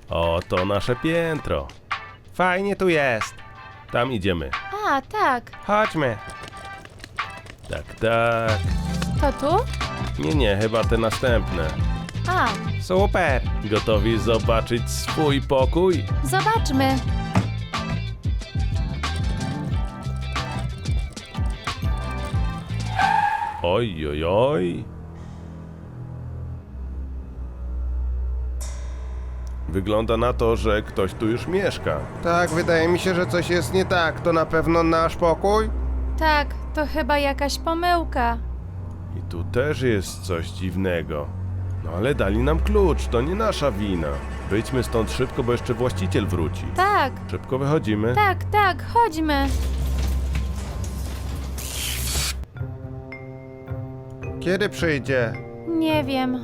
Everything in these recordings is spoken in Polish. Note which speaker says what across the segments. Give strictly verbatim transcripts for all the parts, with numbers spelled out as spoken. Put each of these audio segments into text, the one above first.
Speaker 1: O, to nasze piętro. Fajnie tu jest. Tam idziemy.
Speaker 2: A, tak.
Speaker 1: Chodźmy. Tak, tak.
Speaker 2: To tu?
Speaker 1: Nie, nie, chyba te następne.
Speaker 2: A,
Speaker 1: Super. Gotowi zobaczyć swój pokój?
Speaker 2: zobaczmy.
Speaker 1: Oj, oj, oj. Wygląda na to, że ktoś tu już mieszka.
Speaker 3: Tak, wydaje mi się, że coś jest nie tak. To na pewno nasz pokój?
Speaker 2: Tak, to chyba jakaś pomyłka.
Speaker 1: I tu też jest coś dziwnego. No ale dali nam klucz, to nie nasza wina. Wyjdźmy stąd szybko, bo jeszcze właściciel wróci.
Speaker 2: Tak,
Speaker 1: Szybko wychodzimy.
Speaker 2: tak, tak, chodźmy.
Speaker 3: Kiedy przyjdzie?
Speaker 2: Nie wiem.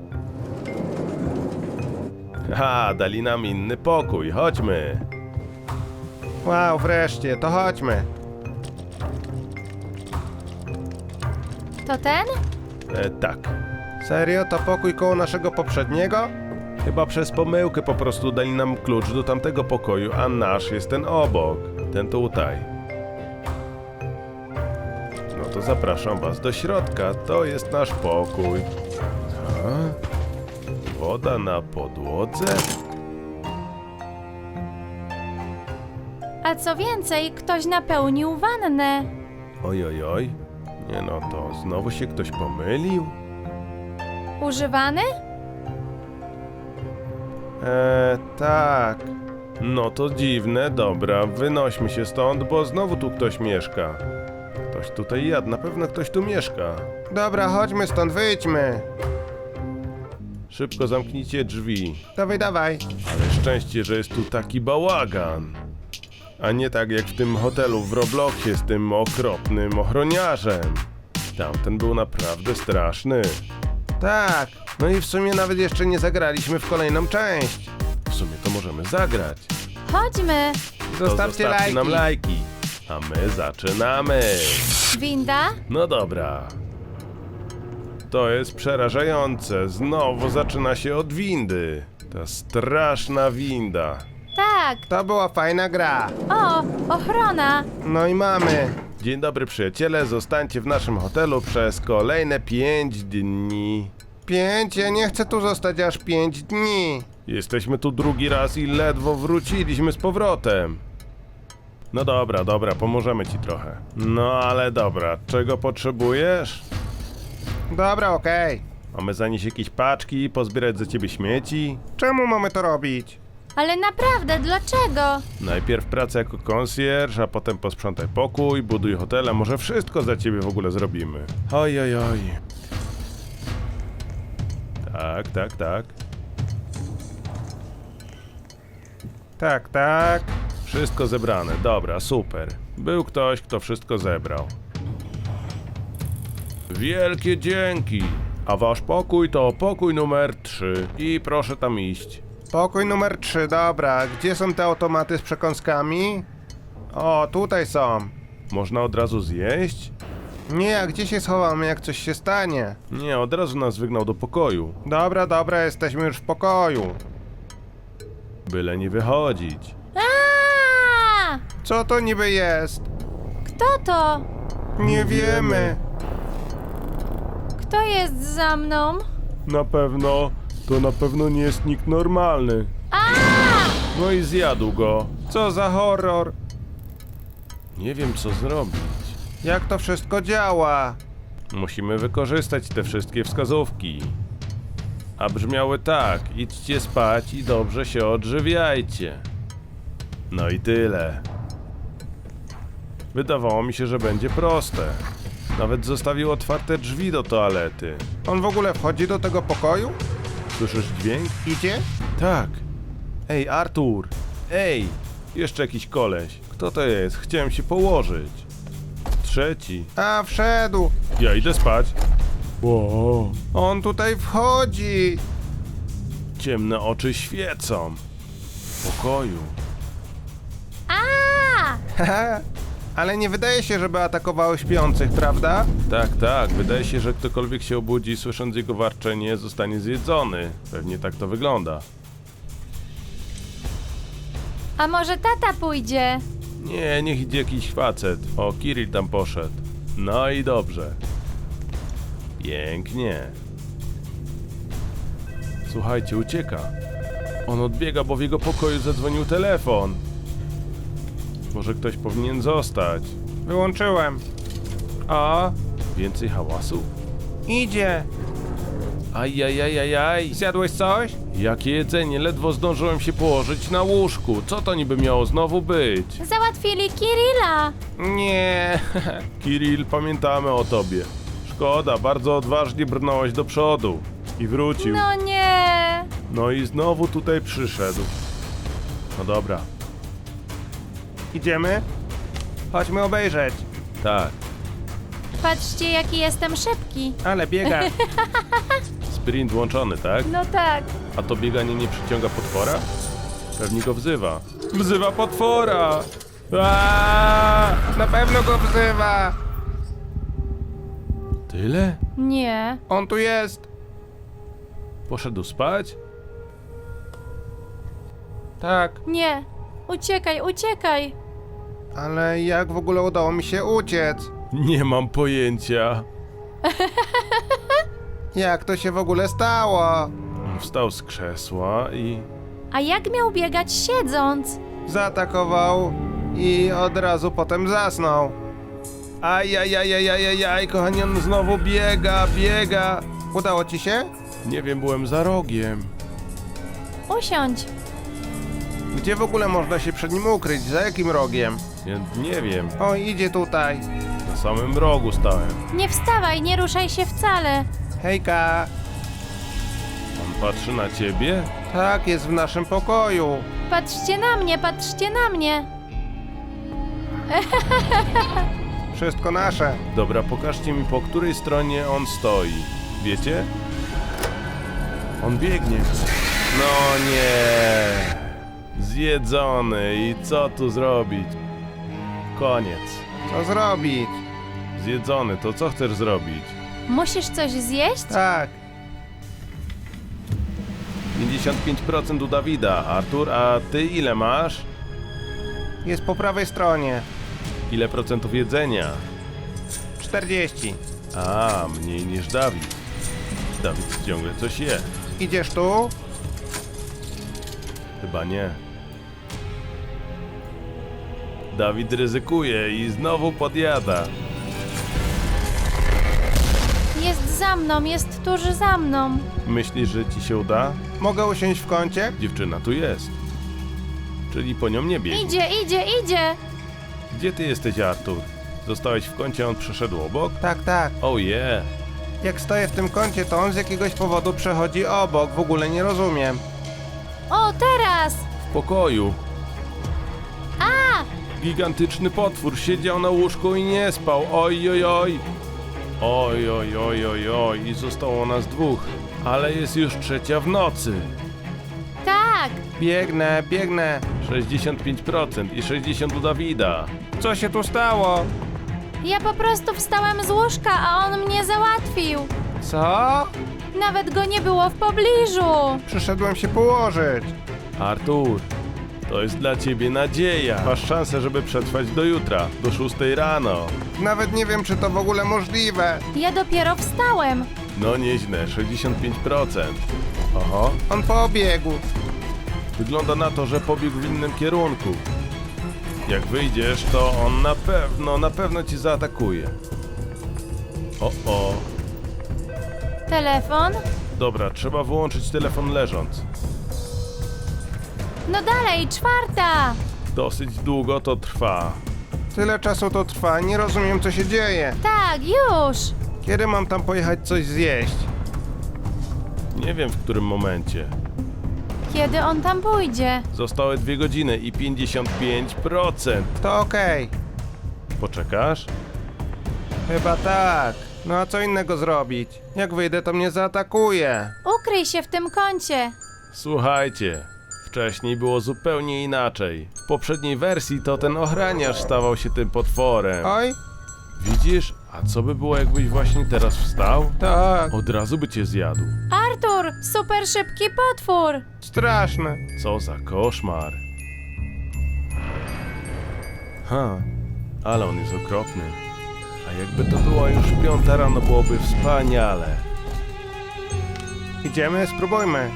Speaker 1: Ha, dali nam inny pokój, chodźmy.
Speaker 3: Wow, wreszcie, to chodźmy.
Speaker 2: To ten?
Speaker 1: E, tak.
Speaker 3: Serio? To pokój koło naszego poprzedniego?
Speaker 1: Chyba przez pomyłkę po prostu dali nam klucz do tamtego pokoju, a nasz jest ten obok. Ten tutaj. No to zapraszam was do środka, to jest nasz pokój. A? Woda na podłodze?
Speaker 2: A co więcej, ktoś napełnił wannę.
Speaker 1: Oj, oj, oj. Nie no, to znowu się ktoś pomylił?
Speaker 2: Używany?
Speaker 3: Eee, tak.
Speaker 1: No to dziwne, dobra, wynośmy się stąd, bo znowu tu ktoś mieszka. Ktoś tutaj jadł, na pewno ktoś tu mieszka.
Speaker 3: Dobra, chodźmy stąd, wyjdźmy.
Speaker 1: Szybko zamknijcie drzwi.
Speaker 3: Dawaj, dawaj.
Speaker 1: Ale szczęście, że jest tu taki bałagan. A nie tak jak w tym hotelu w Robloxie z tym okropnym ochroniarzem. Tamten był naprawdę straszny.
Speaker 3: Tak. No i w sumie nawet jeszcze nie zagraliśmy w kolejną część.
Speaker 1: W sumie to możemy zagrać.
Speaker 2: Chodźmy.
Speaker 1: To
Speaker 3: Zostawcie lajki.
Speaker 1: nam lajki. A my zaczynamy.
Speaker 2: Winda?
Speaker 1: No dobra. To jest przerażające. Znowu zaczyna się od windy. Ta straszna winda.
Speaker 2: Tak.
Speaker 3: To była fajna gra.
Speaker 2: O, ochrona.
Speaker 3: No i mamy.
Speaker 1: Dzień dobry przyjaciele, zostańcie w naszym hotelu przez kolejne pięć dni.
Speaker 3: Pięć? Ja nie chcę tu zostać aż pięć dni.
Speaker 1: Jesteśmy tu drugi raz i ledwo wróciliśmy z powrotem. No dobra, dobra, pomożemy ci trochę. No ale dobra, czego potrzebujesz?
Speaker 3: Dobra, okej.
Speaker 1: Mamy zanieść jakieś paczki, pozbierać za ciebie śmieci?
Speaker 3: Czemu mamy to robić?
Speaker 2: Ale naprawdę, dlaczego?
Speaker 1: Najpierw pracę jako konsjerż, a potem posprzątaj pokój, buduj hotel, a może wszystko za ciebie w ogóle zrobimy. Oj, oj, oj. Tak, tak, tak.
Speaker 3: Tak, tak.
Speaker 1: Wszystko zebrane, dobra, super. Był ktoś, kto wszystko zebrał. Wielkie dzięki! A wasz pokój to pokój numer trzy. I proszę tam iść.
Speaker 3: Pokój numer trzy, dobra. Gdzie są te automaty z przekąskami? O, tutaj są.
Speaker 1: Można od razu zjeść?
Speaker 3: Nie, a gdzie się schowamy, jak coś się stanie?
Speaker 1: Nie, od razu nas wygnał do pokoju.
Speaker 3: Dobra, dobra, jesteśmy już w pokoju.
Speaker 1: Byle nie wychodzić.
Speaker 2: A!
Speaker 3: Co to niby jest?
Speaker 2: Kto to?
Speaker 3: Nie wiemy.
Speaker 2: Kto jest za mną?
Speaker 1: Na pewno, to na pewno nie jest nikt normalny.
Speaker 2: A!
Speaker 1: No i zjadł go.
Speaker 3: Co za horror?
Speaker 1: Nie wiem co zrobić.
Speaker 3: Jak to wszystko działa?
Speaker 1: Musimy wykorzystać te wszystkie wskazówki. A brzmiały tak, idźcie spać i dobrze się odżywiajcie. No i tyle. Wydawało mi się, że będzie proste. Nawet zostawił otwarte drzwi do toalety.
Speaker 3: On w ogóle wchodzi do tego pokoju?
Speaker 1: Słyszysz dźwięk?
Speaker 3: Idzie?
Speaker 1: Tak. Ej, Artur! Ej! Jeszcze jakiś koleś. Kto to jest? Chciałem się położyć. Trzeci.
Speaker 3: A, wszedł.
Speaker 1: Ja idę spać. Wow.
Speaker 3: On tutaj wchodzi.
Speaker 1: Ciemne oczy świecą. W pokoju.
Speaker 2: A!
Speaker 3: Haha. Ale nie wydaje się, żeby atakowały śpiących, prawda?
Speaker 1: Tak, tak. Wydaje się, że ktokolwiek się obudzi, słysząc jego warczenie, zostanie zjedzony. Pewnie tak to wygląda.
Speaker 2: A może tata pójdzie?
Speaker 1: Nie, niech idzie jakiś facet. O, Kirill tam poszedł. No i dobrze. Pięknie. Słuchajcie, ucieka. On odbiega, bo w jego pokoju zadzwonił telefon. Może ktoś powinien zostać.
Speaker 3: Wyłączyłem. O,
Speaker 1: Więcej hałasu?
Speaker 3: idzie.
Speaker 1: Ajajajajaj.
Speaker 3: Zjadłeś coś?
Speaker 1: Jakie jedzenie, ledwo zdążyłem się położyć na łóżku. Co to niby miało znowu być?
Speaker 2: Załatwili Kirilla.
Speaker 3: Nie.
Speaker 1: Kirill, pamiętamy o tobie. Szkoda, bardzo odważnie brnąłeś do przodu. I wrócił.
Speaker 2: No nie.
Speaker 1: No i znowu tutaj przyszedł. No dobra,
Speaker 3: Idziemy? Chodźmy obejrzeć.
Speaker 1: tak.
Speaker 2: Patrzcie, jaki jestem szybki.
Speaker 3: Ale biega.
Speaker 1: Sprint włączony, tak?
Speaker 2: No tak.
Speaker 1: A to bieganie nie przyciąga potwora? Pewnie go wzywa. Wzywa potwora! Aaaa!
Speaker 3: Na pewno go wzywa.
Speaker 1: Tyle?
Speaker 2: Nie.
Speaker 3: On tu jest.
Speaker 1: Poszedł spać?
Speaker 3: Tak.
Speaker 2: Nie. Uciekaj, uciekaj.
Speaker 3: Ale jak w ogóle udało mi się uciec?
Speaker 1: Nie mam pojęcia.
Speaker 3: Jak to się w ogóle stało?
Speaker 1: On wstał z krzesła i...
Speaker 2: A jak miał biegać siedząc?
Speaker 3: Zaatakował i od razu potem zasnął.
Speaker 1: Ajajajajajajaj, kochani, on znowu biega, biega.
Speaker 3: Udało ci się?
Speaker 1: Nie wiem, byłem za rogiem.
Speaker 2: Usiądź.
Speaker 3: Gdzie w ogóle można się przed nim ukryć? Za jakim rogiem?
Speaker 1: Nie, nie wiem,
Speaker 3: O, idzie tutaj.
Speaker 1: na samym rogu stałem.
Speaker 2: Nie wstawaj, nie ruszaj się wcale.
Speaker 3: Hejka.
Speaker 1: On patrzy na ciebie?
Speaker 3: Tak, jest w naszym pokoju.
Speaker 2: Patrzcie na mnie, patrzcie na mnie.
Speaker 3: Wszystko nasze.
Speaker 1: Dobra, pokażcie mi, po której stronie on stoi. Wiecie? On biegnie. No nie. Zjedzony. I co tu zrobić? Koniec.
Speaker 3: Co zrobić?
Speaker 1: Zjedzony. To co chcesz zrobić?
Speaker 2: Musisz coś zjeść?
Speaker 3: Tak.
Speaker 1: pięćdziesiąt pięć procent u Dawida. Artur, a ty ile masz?
Speaker 3: Jest po prawej stronie.
Speaker 1: Ile procentów jedzenia?
Speaker 3: czterdzieści.
Speaker 1: A, mniej niż Dawid. Dawid ciągle coś je.
Speaker 3: Idziesz tu?
Speaker 1: Chyba nie. Dawid ryzykuje i znowu podjada.
Speaker 2: Jest za mną, jest tuż za mną.
Speaker 1: Myślisz, że ci się uda?
Speaker 3: Mogę usiąść w kącie?
Speaker 1: Dziewczyna tu jest. Czyli po nią nie biegnie.
Speaker 2: Idzie, idzie, idzie.
Speaker 1: Gdzie ty jesteś, Artur? Zostałeś w kącie, a on przeszedł obok?
Speaker 3: Tak, tak.
Speaker 1: Oh yeah.
Speaker 3: Jak stoję w tym kącie, to on z jakiegoś powodu przechodzi obok. W ogóle nie rozumiem.
Speaker 2: O, teraz.
Speaker 1: W pokoju.
Speaker 2: A!
Speaker 1: Gigantyczny potwór siedział na łóżku i nie spał. Oj, oj, oj. Oj, oj, oj, oj, oj. I zostało nas dwóch. Ale jest już trzecia w nocy.
Speaker 2: Tak.
Speaker 3: Biegnę, biegnę.
Speaker 1: sześćdziesiąt pięć procent i sześćdziesiąt u Dawida.
Speaker 3: Co się tu stało?
Speaker 2: Ja po prostu wstałem z łóżka, a on mnie załatwił.
Speaker 3: Co?
Speaker 2: Nawet go nie było w pobliżu.
Speaker 3: Przyszedłem się położyć.
Speaker 1: Artur, to jest dla ciebie nadzieja. Masz szansę, żeby przetrwać do jutra, do szóstej rano.
Speaker 3: Nawet nie wiem, czy to w ogóle możliwe.
Speaker 2: Ja dopiero wstałem.
Speaker 1: No nieźle, sześćdziesiąt pięć procent. Oho,
Speaker 3: On pobiegł.
Speaker 1: wygląda na to, że pobiegł w innym kierunku. Jak wyjdziesz, to on na pewno, na pewno ci zaatakuje. O, o.
Speaker 2: Telefon?
Speaker 1: Dobra, trzeba wyłączyć telefon leżąc.
Speaker 2: No dalej, czwarta.
Speaker 1: Dosyć długo to trwa.
Speaker 3: Tyle czasu to trwa, nie rozumiem, co się dzieje.
Speaker 2: Tak, już.
Speaker 3: Kiedy mam tam pojechać coś zjeść?
Speaker 1: Nie wiem, w którym momencie.
Speaker 2: Kiedy on tam pójdzie?
Speaker 1: Zostały dwie godziny i pięćdziesiąt pięć procent.
Speaker 3: To okej.
Speaker 1: Poczekasz?
Speaker 3: Chyba tak. No a co innego zrobić? Jak wyjdę, to mnie zaatakuje.
Speaker 2: Ukryj się w tym kącie.
Speaker 1: Słuchajcie, wcześniej było zupełnie inaczej. W poprzedniej wersji to ten ochraniarz stawał się tym potworem.
Speaker 3: Oj,
Speaker 1: Widzisz? A co by było, jakbyś właśnie teraz wstał?
Speaker 3: tak.
Speaker 1: Od razu by cię zjadł.
Speaker 2: Artur, super szybki potwór.
Speaker 3: Straszne.
Speaker 1: Co za koszmar. Ha, ale on jest okropny. A jakby to była już piąta rano, byłoby wspaniale.
Speaker 3: Idziemy, spróbujmy.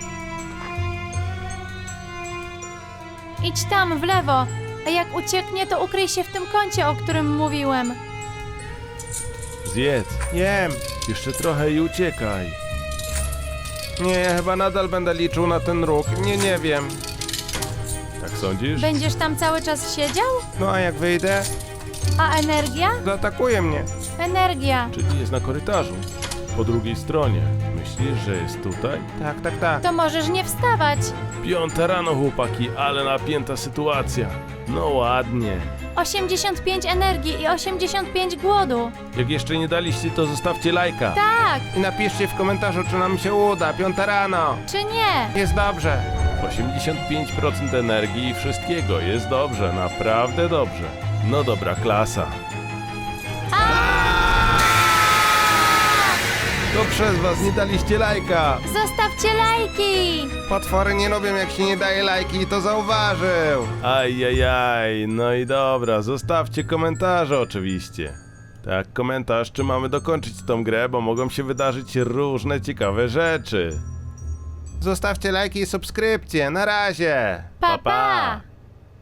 Speaker 2: Idź tam, w lewo. A jak ucieknie, to ukryj się w tym kącie, o którym mówiłem.
Speaker 1: Zjedz,
Speaker 3: Jem.
Speaker 1: jeszcze trochę i uciekaj.
Speaker 3: Nie, chyba nadal będę liczył na ten róg. Nie, nie wiem.
Speaker 1: Tak sądzisz?
Speaker 2: Będziesz tam cały czas siedział?
Speaker 3: No a jak wyjdę,
Speaker 2: A energia?
Speaker 3: zaatakuje mnie.
Speaker 2: Energia.
Speaker 1: Czyli jest na korytarzu. Po drugiej stronie. Myślisz, że jest tutaj?
Speaker 3: Tak, tak, tak.
Speaker 2: To możesz nie wstawać.
Speaker 1: Piąta rano, chłopaki, ale napięta sytuacja. No ładnie.
Speaker 2: osiemdziesiąt pięć energii i osiemdziesiąt pięć głodu.
Speaker 1: Jak jeszcze nie daliście, to zostawcie lajka.
Speaker 2: Tak,
Speaker 3: I napiszcie w komentarzu, czy nam się uda. Piąta rano.
Speaker 2: czy nie?
Speaker 3: Jest dobrze.
Speaker 1: osiemdziesiąt pięć procent energii i wszystkiego. Jest dobrze, naprawdę dobrze. No dobra, klasa.
Speaker 3: To przez was nie daliście lajka.
Speaker 2: Zostawcie lajki.
Speaker 3: Potwory nie lubią, jak się nie daje lajki i to zauważył.
Speaker 1: Ajajaj, no i dobra, zostawcie komentarze oczywiście. Tak, komentarz, czy mamy dokończyć tą grę, bo mogą się wydarzyć różne ciekawe rzeczy.
Speaker 3: Zostawcie lajki i subskrypcje. Na razie.
Speaker 2: Pa, pa.